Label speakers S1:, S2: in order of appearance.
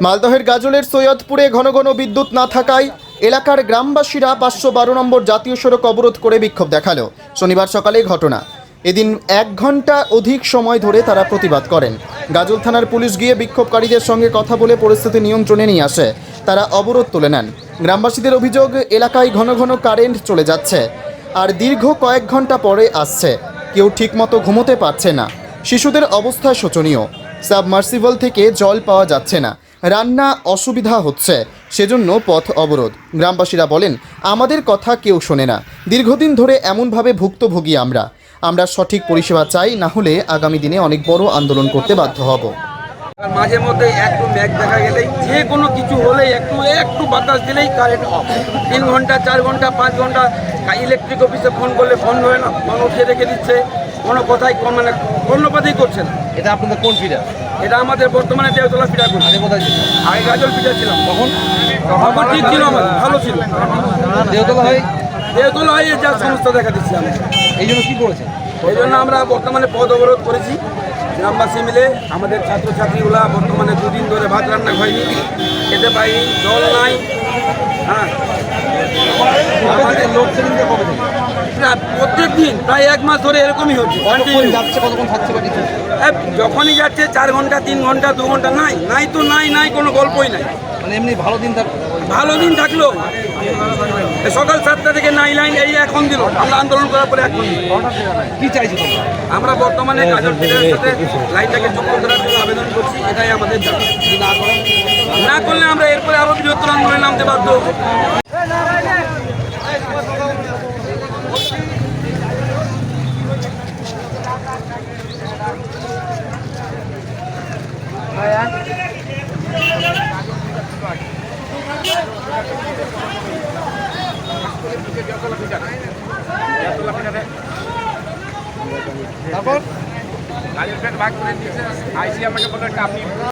S1: মালদহের গাজলের সৈয়দপুরে ঘন ঘন বিদ্যুৎ না থাকায় এলাকার গ্রামবাসীরা 512 নম্বর জাতীয় সড়ক অবরোধ করে বিক্ষোভ দেখালো। শনিবার সকালে ঘটনা। এদিন 1 ঘন্টা অধিক সময় ধরে তারা প্রতিবাদ করেন। গাজল থানার পুলিশ গিয়ে বিক্ষোভকারীদের সঙ্গে কথা বলে পরিস্থিতি নিয়ন্ত্রণে নিয়ে আসে। তারা অবরোধ তুলে নেন। গ্রামবাসীদের অভিযোগ, এলাকায় ঘন ঘন কারেন্ট চলে যাচ্ছে আর দীর্ঘ কয়েক ঘন্টা পরে আসছে। কেউ ঠিকমতো ঘুমোতে পারছে না। শিশুদের অবস্থা শোচনীয়। সাবমার্সিবল থেকে জল পাওয়া যাচ্ছে না। রান্না অসুবিধা হচ্ছে, সেজন্য পথ অবরোধ। গ্রামবাসীরা বলেন, আমাদের কথা কেউ শোনে না। দীর্ঘদিন ধরে এমনভাবে ভুক্তভোগী আমরা সঠিক পরিষেবা চাই, না হলে আগামী দিনে অনেক বড় আন্দোলন করতে বাধ্য হব।
S2: মাঝে মধ্যে একটু মেঘ দেখা গেলেই, যে কোনো কিছু হলেই একটু বাতাস দিলেই কারেন্ট অফ। 3 ঘন্টা 4 ঘন্টা 5 ঘন্টা ইলেকট্রিক অফিসে ফোন করলে ফোন হয় না, ফোন উঠিয়ে রেখে দিচ্ছে, কোনো কথাই মানে কর্ণপাতই করছে না।
S3: এটা আপনাদের কোন ফিডার?
S2: এটা আমাদের বর্তমানে দেওতলা ফিডার করছে।
S3: আগে কোথায় ছিল?
S2: আগে গাজল ফিডার ছিলাম। তখন ঠিক ছিল, আমার ভালো ছিল। দেওতলা হয়ে যা সমস্যা দেখা দিচ্ছে আমি।
S3: এই জন্য কী করেছেন?
S2: এই জন্য আমরা বর্তমানে পথ অবরোধ করেছি। গ্রামবাসী মিলে আমাদের ছাত্রছাত্রীগুলা বর্তমানে 2 দিন ধরে ভাত রান্না হয়নি, খেতে পাইনি, জল নাই। হ্যাঁ, আমাদের প্রত্যেক দিন প্রায় 1 মাস ধরে এরকমই হচ্ছে।
S3: কতক্ষণ থাকছে বা কিছু?
S2: যখনই যাচ্ছে 4 ঘন্টা 3 ঘন্টা 2 ঘন্টা, নাই তো নাই, কোনো গল্পই নাই।
S3: মানে এমনি ভালো দিন
S2: ভালো দিন থাকলো সকাল 7টা থেকে নাই লাইন, এই এখন দিল। আমরা আন্দোলন করার পরে এখন
S3: কি চাইছি তোমরা?
S2: আমরা বর্তমানে গাজল ফিডারের সাথে লাইনটাকে যুক্ত করার জন্য আবেদন করছি। এটাই আমাদের দাবি। না করলে আমরা এরপরে আরো বৃহত্তর আন্দোলনে নামতে বাধ্য হবো।
S3: তারপর
S2: গাড়ির ভাগ করে দিয়েছে, আইসি আমাকে বললো আপনি